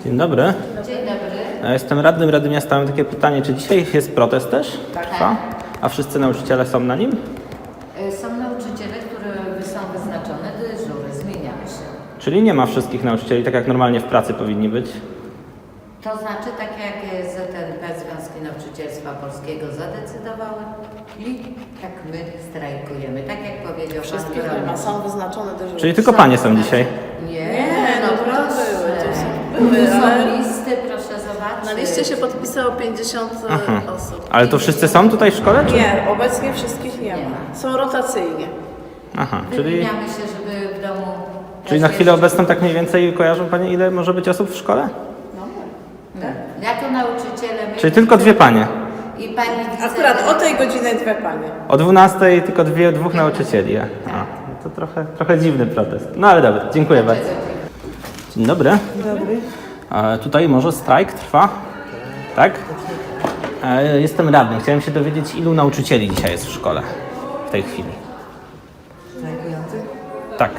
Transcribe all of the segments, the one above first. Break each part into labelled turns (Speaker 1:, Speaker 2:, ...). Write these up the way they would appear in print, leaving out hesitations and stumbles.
Speaker 1: Dzień dobry.
Speaker 2: Dzień dobry.
Speaker 1: Ja jestem radnym Rady Miasta. Mam takie pytanie, czy dzisiaj jest protest też? Trwa? A wszyscy nauczyciele są na nim?
Speaker 2: Są nauczyciele, które są wyznaczone, dyżury zmieniały się.
Speaker 1: Czyli nie ma wszystkich nauczycieli, tak jak normalnie w pracy powinni być?
Speaker 2: To znaczy, tak jak ZNP, Związki Nauczycielstwa Polskiego zadecydowały i tak my strajkujemy. Tak jak powiedział
Speaker 3: Wszystkie
Speaker 2: pan
Speaker 3: firmy są wyznaczone dyżury.
Speaker 1: Czyli tylko panie są dzisiaj?
Speaker 2: Nie, no
Speaker 3: to
Speaker 2: proszę.
Speaker 3: były,
Speaker 2: Tu
Speaker 3: ale
Speaker 2: są listy, proszę zobaczyć.
Speaker 3: na liście się podpisało 50 osób.
Speaker 1: Ale to wszyscy są tutaj w szkole? Czy?
Speaker 3: Nie, obecnie wszystkich nie ma. Są rotacyjnie.
Speaker 1: Aha, czyli
Speaker 2: Wymieniamy się, żeby w domu...
Speaker 1: na chwilę obecną tak mniej więcej kojarzą panie, ile może być osób w szkole?
Speaker 2: Tak. Jako nauczyciele... My
Speaker 1: Czyli tylko dwie panie.
Speaker 2: I pani
Speaker 3: Akurat o tej godzinie dwie panie.
Speaker 1: O 12 tylko dwóch nauczycieli. A, to trochę dziwny protest. No ale dobra, dziękuję bardzo. Dzień dobry.
Speaker 4: Dobry.
Speaker 1: Tutaj może strajk trwa? Tak? Jestem radny. Chciałem się dowiedzieć, ilu nauczycieli dzisiaj jest w szkole w tej chwili.
Speaker 4: Strajkujących?
Speaker 1: Tak.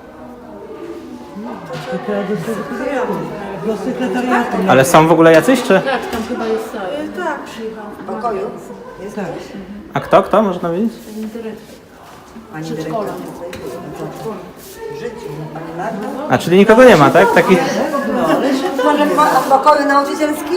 Speaker 4: Do sekretariatu.
Speaker 1: Ale są w ogóle jacyś, czy?
Speaker 3: Tak, przyjechał.
Speaker 4: W pokoju? Jest tak.
Speaker 1: A kto? Można wiedzieć?
Speaker 4: Pani dyrektor. W życiu. Pani Marta?
Speaker 1: A, czyli nikogo nie ma, tak? Taki...
Speaker 4: Może w pokoju nauczycielskim?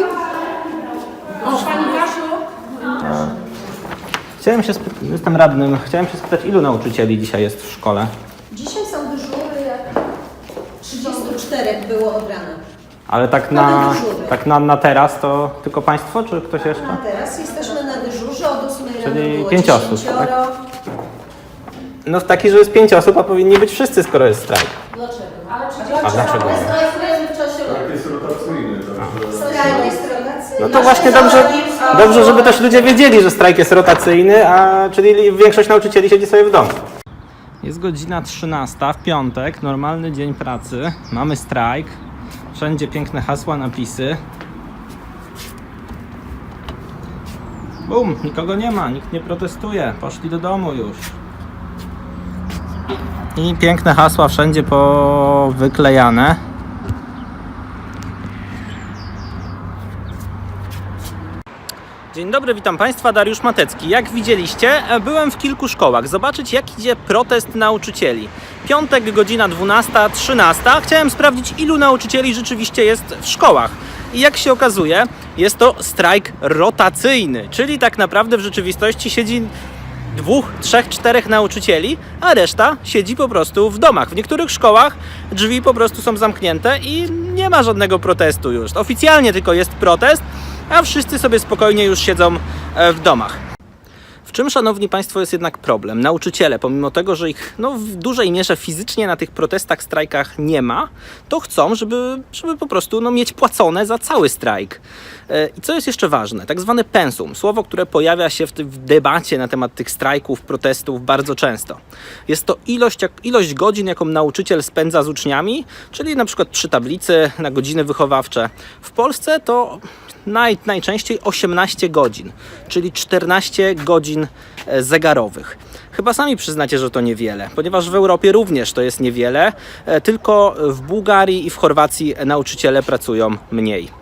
Speaker 1: Jestem radnym. Chciałem się spytać, ilu nauczycieli dzisiaj jest w szkole?
Speaker 5: Dzisiaj są dyżury, jak 34 było od rana.
Speaker 1: Ale tak na teraz to tylko państwo, czy ktoś jeszcze?
Speaker 5: A teraz jesteśmy na dyżurze, od 8 rano
Speaker 1: Czyli
Speaker 5: było
Speaker 1: 5 osób,
Speaker 5: 10.
Speaker 1: tak? No taki, że jest 5 osób, a powinni być wszyscy, skoro jest strajk.
Speaker 5: Dlaczego?
Speaker 1: A dlaczego?
Speaker 5: My strajkujemy w czasie
Speaker 6: Tak, jest rotacyjny.
Speaker 5: strajku jest rotacyjny.
Speaker 1: No to właśnie dobrze, żeby też ludzie wiedzieli, że strajk jest rotacyjny, czyli większość nauczycieli siedzi sobie w domu. Jest godzina 13 w piątek, normalny dzień pracy. Mamy strajk. Wszędzie piękne hasła, napisy. Bum, nikogo nie ma, nikt nie protestuje. Poszli do domu już. I piękne hasła wszędzie powyklejane. Dzień dobry, witam Państwa, Dariusz Matecki. Jak widzieliście, byłem w kilku szkołach zobaczyć, jak idzie protest nauczycieli. Piątek, godzina 12:13. Chciałem sprawdzić, ilu nauczycieli rzeczywiście jest w szkołach. I jak się okazuje, jest to strajk rotacyjny, czyli tak naprawdę w rzeczywistości siedzi 2, 3, 4 nauczycieli, a reszta siedzi po prostu w domach. W niektórych szkołach drzwi po prostu są zamknięte i nie ma żadnego protestu już. Oficjalnie tylko jest protest, a wszyscy sobie spokojnie już siedzą w domach. W czym, szanowni Państwo, jest jednak problem? Nauczyciele, pomimo tego, że ich w dużej mierze fizycznie na tych protestach, strajkach nie ma, to chcą, żeby po prostu mieć płacone za cały strajk. I co jest jeszcze ważne? Tak zwane pensum, słowo, które pojawia się w debacie na temat tych strajków, protestów bardzo często. Jest to ilość godzin, jaką nauczyciel spędza z uczniami, czyli na przykład przy tablicy na godziny wychowawcze. W Polsce to najczęściej 18 godzin, czyli 14 godzin zegarowych. Chyba sami przyznacie, że to niewiele, ponieważ w Europie również to jest niewiele, tylko w Bułgarii i w Chorwacji nauczyciele pracują mniej.